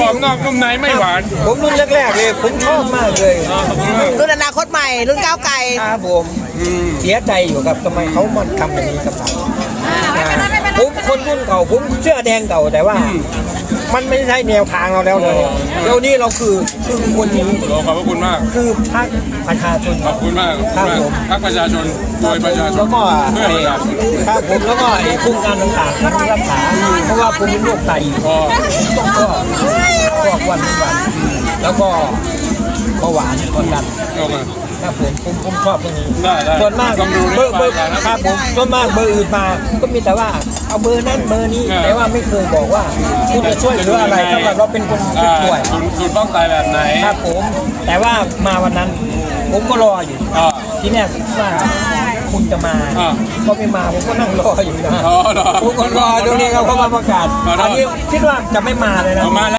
อบนอกนุ่มในไม่หวานผมรุ่นแรกๆเลยผมชอบมากเลยรุ่นอนาคตใหม่รุ่นก้าวไกลครับผมเสียใจอยู่ครับทำไมเขามาทำแบบนี้กับเราผมคนรุ่นเก่าผมเชื่อแดงเก่าแต่ว่า มันไม่ใช่แนวทางเราแล้วเลยเดี๋ยวนี้เราคือคนนี้ขอบพระคุณมากคือพรรคประชาชนขอบคุณมากครับผมพรรคประชาชนโดยประชาชนแล้วก็เพื่อประชาชนครับผมแล้วก็ไอ้โครงการต่างๆที่รักษาเพราะว่าผมเป็นโรคไตอ๋อก็วันแล้วก็เบาหวานความดันโอเคครับผมชอบตรงนี้ได้ส่วนมากต้องดูเบอร์ครับผมส่วนมากเบอร์อื่นมาก็มีแต่ว่าเอาเบอร์นั้นเบอร์นี้แต่ว่าไม่เคยบอกว่าคุณจะช่วยเหลืออะไรถ้าเราเป็นคนป่วยคุณป้องตายแบบไหนครับผมแต่ว่ามาวันนั้นผมก็รออยู่อ่าที่แรกว่าคุณจะมาอ่าก็ไม่มาผมก็นั่งรออยู่นะอ๋อเหรอผมก็รอตรงนี้เขามาประกาศขอโทษอันนี้คิดว่าจะไม่มาเลยนะเอามา